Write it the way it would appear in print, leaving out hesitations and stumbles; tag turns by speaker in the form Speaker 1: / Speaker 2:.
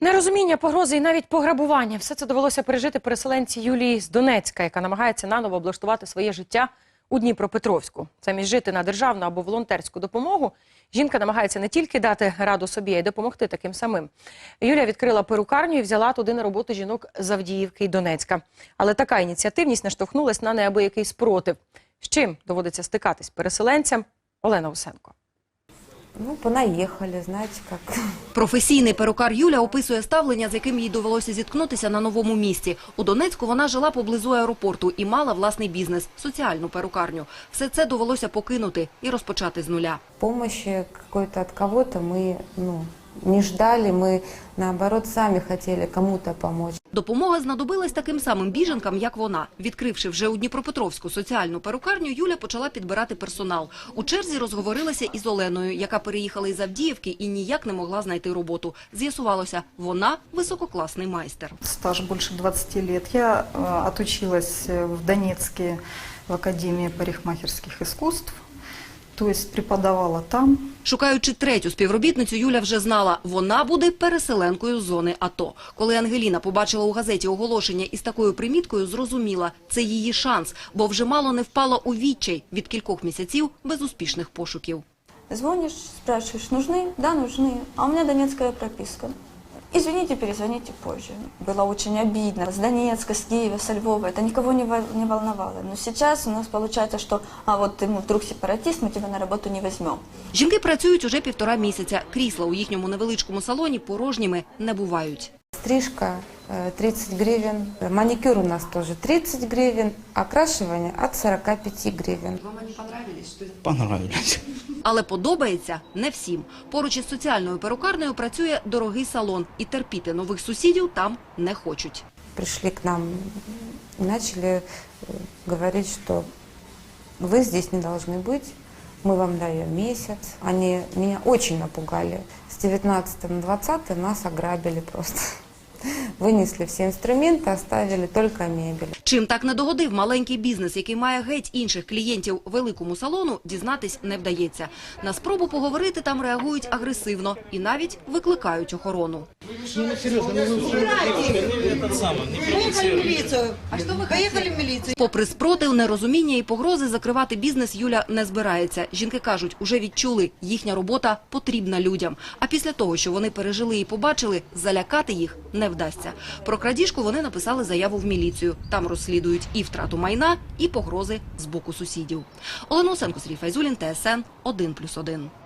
Speaker 1: Нерозуміння, погрози і навіть пограбування – все це довелося пережити переселенці Юлії з Донецька, яка намагається наново облаштувати своє життя у Дніпропетровську. Замість жити на державну або волонтерську допомогу, жінка намагається не тільки дати раду собі, а й допомогти таким самим. Юлія відкрила перукарню і взяла туди на роботу жінок з Авдіївки і Донецька. Але така ініціативність наштовхнулась на неабиякий спротив. З чим доводиться стикатись переселенцям? Олена Усенко.
Speaker 2: Ну, понаїхали, знаєте, як.
Speaker 3: Професійний перукар Юля описує ставлення, з яким їй довелося зіткнутися на новому місці. У Донецьку вона жила поблизу аеропорту і мала власний бізнес – соціальну перукарню. Все це довелося покинути і розпочати з нуля.
Speaker 2: Помощи какой-то от кого-то мы, не ждали, мы, наоборот, сами хотели кому-то помочь.
Speaker 3: Допомога знадобилась таким самим біженкам, як вона. Відкривши вже у Дніпропетровську соціальну перукарню, Юля почала підбирати персонал. У черзі розговорилася із Оленою, яка переїхала із Авдіївки і ніяк не могла знайти роботу. З'ясувалося, вона висококласний майстер.
Speaker 4: Стаж більше 20 років. Я отучилась в Донецьке в Академії парикмахерських іскусств. Тобто преподавала там.
Speaker 3: Шукаючи третю співробітницю, Юля вже знала – вона буде переселенкою з зони АТО. Коли Ангеліна побачила у газеті оголошення із такою приміткою, зрозуміла – це її шанс, бо вже мало не впала у відчай від кількох місяців безуспішних пошуків.
Speaker 5: Звонишь, спрашиваешь, нужны? Да, нужны. А у меня донецкая прописка. Извините, перезвоните позже. Было очень обидно. С Донецка, с Киева, со Львова. Это никого не волновало. Но сейчас у нас получается, что вот ты вдруг сепаратист, мы тебя на работу не возьмем.
Speaker 3: Жінки працюють уже 1,5 місяця. Крісла у їхньому невеличкому салоні порожніми не бувають.
Speaker 2: Стрижка 30 гривен, маникюр у нас тоже 30 гривен, окрашивание от 45 гривен.
Speaker 3: Вам вони понравились?
Speaker 6: Понравились.
Speaker 3: Але подобається не всім. Поруч із соціальною перукарнею працює дорогий салон. І терпіти нових сусідів там не хочуть.
Speaker 2: Пришли к нам и начали говорить, что вы здесь не должны быть, мы вам даем месяц. Они меня очень напугали. С 19 на 20 нас ограбили просто. Винесли всі інструменти, оставили тільки мебель.
Speaker 3: Чим так не догодив маленький бізнес, який має геть інших клієнтів великому салону, дізнатись не вдається. На спробу поговорити там реагують агресивно і навіть викликають охорону.
Speaker 7: Поїхали в міліцію.
Speaker 3: Попри спротив, нерозуміння і погрози, закривати бізнес Юля не збирається. Жінки кажуть, уже відчули, їхня робота потрібна людям. А після того, що вони пережили і побачили, залякати їх не вдасться. Про крадіжку вони написали заяву в міліцію. Там розслідують і втрату майна, і погрози з боку сусідів. Олена Усенко, Сергій Файзулін, ТСН 1+1.